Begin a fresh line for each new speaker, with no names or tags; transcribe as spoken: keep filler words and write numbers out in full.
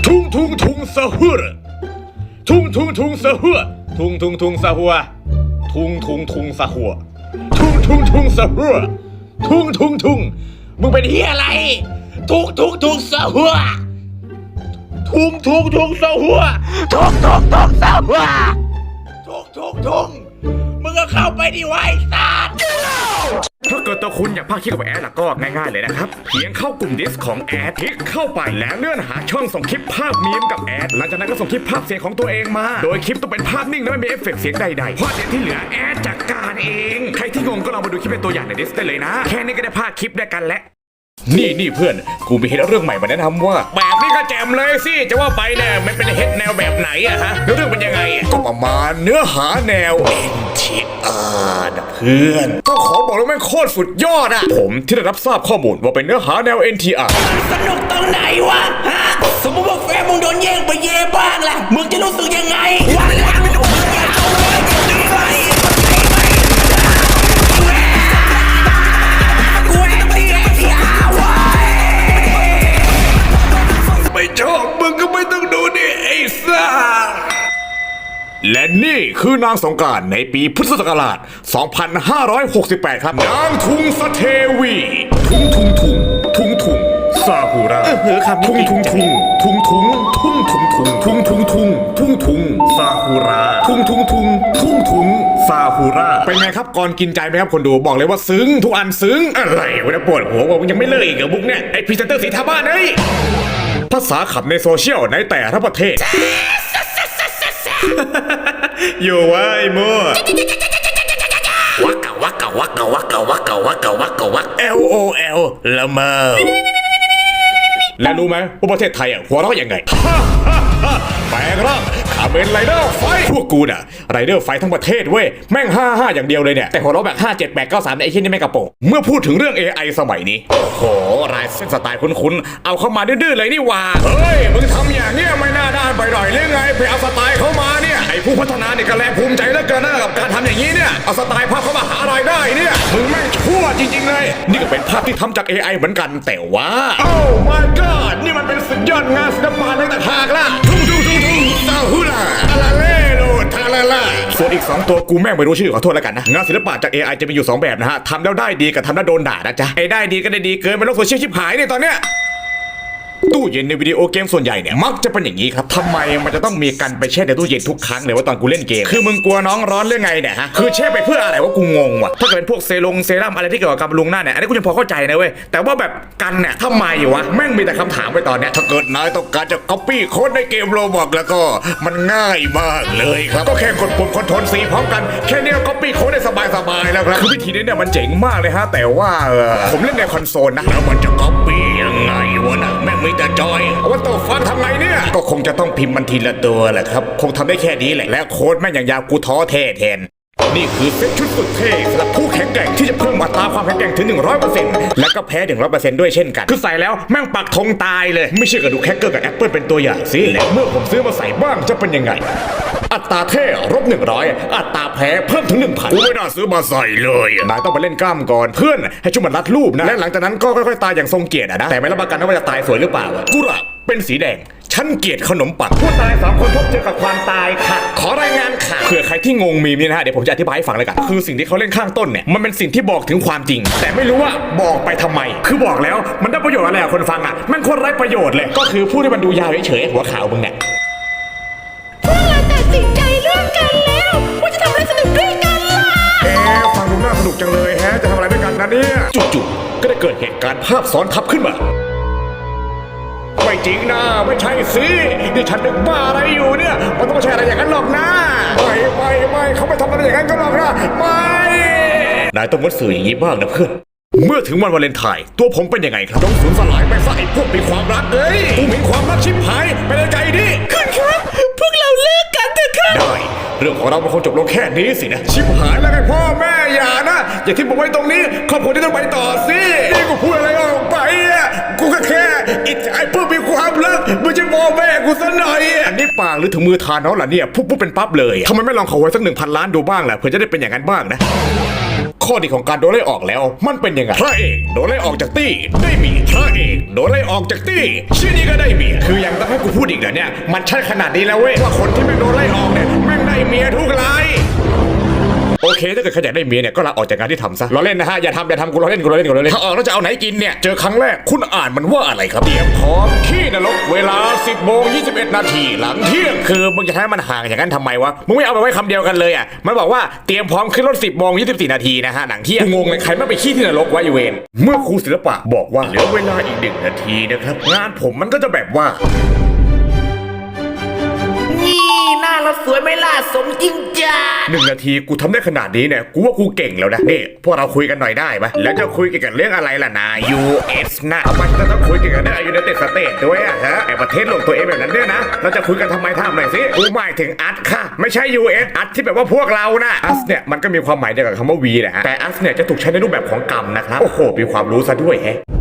ทุงทุงทุงสะหัวทุงทุงทุงสะหัวทุงทุงทุงสะหัวทุงทุงทุงสะหัวทุงทุงทุงสะหัวทุงทุงทุงมึงเป็นเฮียอะไรทุงทุงทุงสะหัวทุงทุงทุงสะหัวทุงทุงทุงสะหัวทุงทุงทุงมึงก็เข้าไปดิไว้สัตว์ถ้าเกิดตัวคุณอยากพากย์คลิปกับแอดล่ะก็ง่ายๆเลยนะครับเพียงเข้ากลุ่มดิสของแอดคลิกเข้าไปแล้วเลื่อนหาช่องส่งคลิปภาพมีมกับแอดหลังจากนั้นก็ส่งคลิปภาพเสียงของตัวเองมาโดยคลิปต้องเป็นภาพนิ่งและไม่มีเอฟเฟกต์เสียงใดๆเพราะเดี๋ยวที่เหลือแอดจัดการเองใครที่งงก็ลองมาดูคลิปเป็นตัวอย่างในดิสได้เลยนะแค่นี้ก็ได้พากย์คลิปด้วยกันแล้วนี่นี่เพื่อนกูมีเฮดเรื่องใหม่มาแนะนำว่าแบบนี้ก็แจมเลยสิจะว่าไปเนี่ยมันเป็นเฮดแนวแบบไหนอะฮะเรื่องเป็นยังไงก็ประมาณเนื้อหาแนว เอ็น ที อาร์ นะเพื่อนก็ขอบอกเลยมันโคตรสุดยอดอะผมที่ได้รับทราบข้อมูลว่าเป็นเนื้อหาแนว เอ็น ที อาร์
สนุกตรงไหนวะฮะสมมติว่าแฟนมึงโดนแย่งไปเย่บ้างล่ะมึงจะรู้สึกยังไงวันหลังมึงอย่าเอาเลยดึงไป
ไม่ชอบมึงก็ไม่ต้องดูดิไอ้ซ่าและนี่คือนางสงกรานต์ในปีพุทธศักราช สองพันห้าร้อยหกสิบแปด ครับนางทุงสเทวีทุงทุงทุงทุงทุงซาฮูระทุงทุงทุงทุงทุงทุงทุงทุงทุงทุงทุงทุงทุงซาฮูระทุงทุงทุงทุงทุงซาฮูระเป็นไงครับก่อนกินใจไหมครับคนดูบอกเลยว่าซึ้งทุกอันซึ้งอะไรวะเนี่ยปวดหัวว่ามึงยังไม่เลิกอีกเหรอบุ๊กเนี่ยไอพรีเซนเตอร์สีทาบ้านเฮ้ยภาษาขับในโซเชียลในแต่ละประเทศอยู่วะไอ้มั่ววักกะวักกะวักกะวักกะวักกะวักกะวักกะวัก แอล โอ แอล ละเมอและรู้ไหมว่าประเทศไทยอ่ะหัวเราะยังไงแปลงร่างข้าเป็นไรเดอร์ไฟพวกกูน่ะไรเดอร์ไฟทั้งประเทศเว้ยแม่งห้าห้าอย่างเดียวเลยเนี่ยแต่หัวเราะแบบห้าเจ็ดแปดเก้าสามไอ้ที่นี่ไม่กระโปงเมื่อพูดถึงเรื่อง เอ ไอ สมัยนี้โอ้โหรายเส้นสไตล์คุ้นๆเอาเข้ามาดื้อๆเลยนี่ว่าเฮ้ยมึงทำอย่างเนี้ยไม่น่าด้านไปหน่อยหรือไงไปเอาสไตล์เข้ามาเนี่ยไอ้ผู้พัฒนาเนี่ยก็แลภูมิใจเหลือเกินนะกับการทำอย่างนี้เนี่ยเอาสไตล์ภาพเข้ามาหารายได้เนี่ยมึงแม่งชั่วจริงๆเลยนี่ก็เป็นภาพที่ทำจาก เอ ไอ เหมือนกันแต่ว่าโอ้ my god นี่มันเป็นสุดยอดงานศิลปะในต่างหากล่ะทุ่งทุ่งทุ่งทุ่งซาฮูล่าอาลาเล่โลทาลาล่าส่วนอีกสองตัวกูแม่งไม่รู้ชื่อขอโทษแล้วกันนะงานศิลปะจาก เอ ไอ จะมีอยู่สองแบบนะฮะทำแล้วได้ดีกับทำแล้วโดนด่านะจ๊ะไอ้ได้ดีก็ได้ดีเกินไปโลกโซเชียลชิบหายเนี่ยตอนเนี้ยตู้เย็นในวิดีโอเกมส่วนใหญ่เนี่ยมักจะเป็นอย่างนี้ครับทำไมมันจะต้องมีกันไปแช่ในตู้เย็นทุกครั้งเลยว่าตอนกูเล่นเกมคือมึงกลัวน้องร้อนเรื่องไงเนี่ยฮะคือแช่ไปเพื่ออะไรว่ากูงงว่ะถ้าเกิดเป็นพวกเซรั่มเซรั่มอะไรที่เกี่ยวกับการบำรุงหน้าเนี่ยอันนี้กูยังพอเข้าใจนะเว้ยแต่ว่าแบบกันเนี่ยทำไมวะแม่งมีแต่คำถามไปตอนเนี้ยถ้าเกิดนายต้องการจะ copy โค้ดในเกมโรบล็อกแล้วก็มันง่ายมากเลยครับก็แค่กดปุ่มคอนโทรลซีพร้อมกันแค่นี้ก็ copy โค้ดได้สบายๆแล้วครับคือวิธีนี้เนี่ยมันเจ๋งมากเลยฮะแต่ว่าผมเล่นในคอนโซลนะแล้วมันจะ copy ยังไงวะนะแม่งมีแต่จอยว่าตัวฟังทำไงเนี่ยก็คงจะต้องพิมพ์มันทีละตัวแหละครับคงทำได้แค่นี้แหละและโค้ดแม่งอย่างยาวกูท้อแท้แทนนี่คือเซ็ตชุดสุดเท่สำหรับผู้แข็งแกร่งที่จะเพิ่มอัตราความแข็งแกร่งถึง หนึ่งร้อยเปอร์เซ็นต์ และก็แพ้ หนึ่งร้อยเปอร์เซ็นต์ ด้วยเช่นกันคือใส่แล้วแม่งปักธงตายเลยไม่เชื่อก็ดูแคคเกอร์กับแอปเปิลเป็นตัวอย่างสิและเมื่อผมซื้อมาใส่บ้างจะเป็นยังไงอัตราเท่ลบหนึ่งร้อยอัตราแพ้เพิ่มถึง หนึ่งพัน กูไม่น่าซื้อมาใส่เลยนายต้องไปเล่นกล้ามก่อนเพื่อนให้ช่วยมันรัดรูปนะและหลังจากนั้นก็ค่อยๆตายอย่างทรงเกียรตินะแต่ไม่รับประกันว่าจะตายสวยหรือเปล่ากุระเป็นสีแดงฉันเกลียดขนมปังผู้ตายสามคนพบเจอกับความตายค่ะขอรายงานค่ะเผื่อใครที่งงมีมนี่นะฮะเดี๋ยวผมจะอธิบายให้ฟังเลยกันคือสิ่งที่เขาเล่นข้างต้นเนี่ยมันเป็นสิ่งที่บอกถึงความจริงแต่ไม่รู้ว่าบอกไปทำไมคือบอกแล้วมันได้ประโยชน์อะไรกับคนฟังอ่ะมันโคตรไร้ประโยชน์เลยก็คือพูดให้มันดูยาวเฉยๆหัวข่าวมึงเนี่ย
พวกเราตัดสินใจเรื่องกันแล้วว่าจะทำอะไรสนุกด้วยกันล่ะ
เอ๊ะฟังดูน่าสนุกจังเลยแฮะจะทำอะไรด้วยกันนะเนี่ยจู่ๆก็ได้เกิดเหตุการณ์ภาพซ้อนทับขึ้นมาไม่จริงนะไม่ใช่สินี่ฉันนึกบ้าอะไรอยู่เนี่ยมันต้องไม่ใช่อะไรอย่างนั้นหรอกนะไม่ไม่ไม่เขาไม่ทำอะไรอย่างนั้นก็หรอกนะไม่นายต้องวัดสื่ออย่างนี้บ้างนะเพื่อนเมื่อถึงวันวาเลนไทน์ตัวผมเป็นยังไงครับต้องสูญสลายไปซะไอ้พวกมีความรักเอ้ยกูมีความรักชิบหายไปในใจดิ
คุณครับพวกเราเลิกกันเถอะครับ
ได้เรื่องของเรามันคงจบลงแค่นี้สินะชิบหายแล้วไงพ่อแม่อย่านะอย่าทิ้งผมไว้ตรงนี้ครอบครัวที่ต้องไปต่อสินี่กูพูดอะไรออกไปอ่ะกูก็แค่อิจฉาไอ้พวกมีความรักไม่ใช่พ่อแม่กูซะหน่อยอันนี้ปากหรือถึงมือทานน้องล่ะเนี่ยปุ๊บปุ๊บเป็นปั๊บเลยทำไมไม่ลองขอไว้สักหนึ่งพันล้านดูบ้างล่ะเผื่อจะได้เป็นอย่างนั้นบ้างนะขข้อดีของการโดนไล่ออกแล้วมันเป็นยังไงพระเอกโดนไล่ออกจากตี้ได้เมียพระเอกโดนไล่ออกจากตี้ชื่อนี้ก็ได้เมียคือยังต้องให้กูพูดอีกเหรอเนี่ยมันใช่ขนาดนี้แล้วเว้ยว่าคนที่ไม่โดนไล่ออกเนี่ยแม่งได้เมียทุกรายโอเคถ้าเกิดใครอยากได้เมียเนี่ยก็ลาออกจากงานที่ทำซะล้อเล่นนะฮะอย่าทำอย่าทำกูล้อเล่นกูล้อเล่นกูล้อเล่นถ้าออกแล้วจะเอาไหนกินเนี่ยเจอครั้งแรกคุณอ่านมันว่าอะไรครับเตรียมพร้อมขี้นรกเวลาสิบโมงยี่สิบเอ็ดนาทีหลังเที่ยงคือมึงจะให้มันห่างอย่างนั้นทำไมวะมึงไม่เอาไปไว้คำเดียวกันเลยอ่ะมันบอกว่าเตรียมพร้อมขึ้นรถสิบโมงยี่สิบสี่นาทีนะฮะหลังเที่ยงงงเลยใครไม่ไปขี้ที่นรกวะอีเวนเมื่อครูศิลปะบอกว่าเหลือเวลาอีกหนึ่งนาทีนะครับงานผมมันก็จะแบบว่า
นี่หน้าเราสวยไหมล่ะสมจริงจ้า
หนึ่งนาทีกูทำได้ขนาดนี้เนี่ยกูว่ากูเก่งแล้วนะนี่พวกเราคุยกันหน่อยได้ปะแล้วจะคุยเกี่ยวกับเรื่องอะไรล่ะนาย ยู เอส นะทำไมเราต้องคุยเกี่ยวกับเรื่องยูไนเต็ดสเตทด้วยอะฮะไอประเทศหลงตัวเองแบบนั้นด้วยนะเราจะคุยกันทำไมทำหน่อยสิกูหมายถึงอัดค่ะไม่ใช่ ยู เอส อัดที่แบบว่าพวกเรานะอัสเนี่ยมันก็มีความหมายเดียวกับคำว่าวีแหละฮะแต่อัสเนี่ยจะถูกใช้ในรูปแบบของกรรมนะครับโอ้โหมีความรู้ซะด้วยแฮะ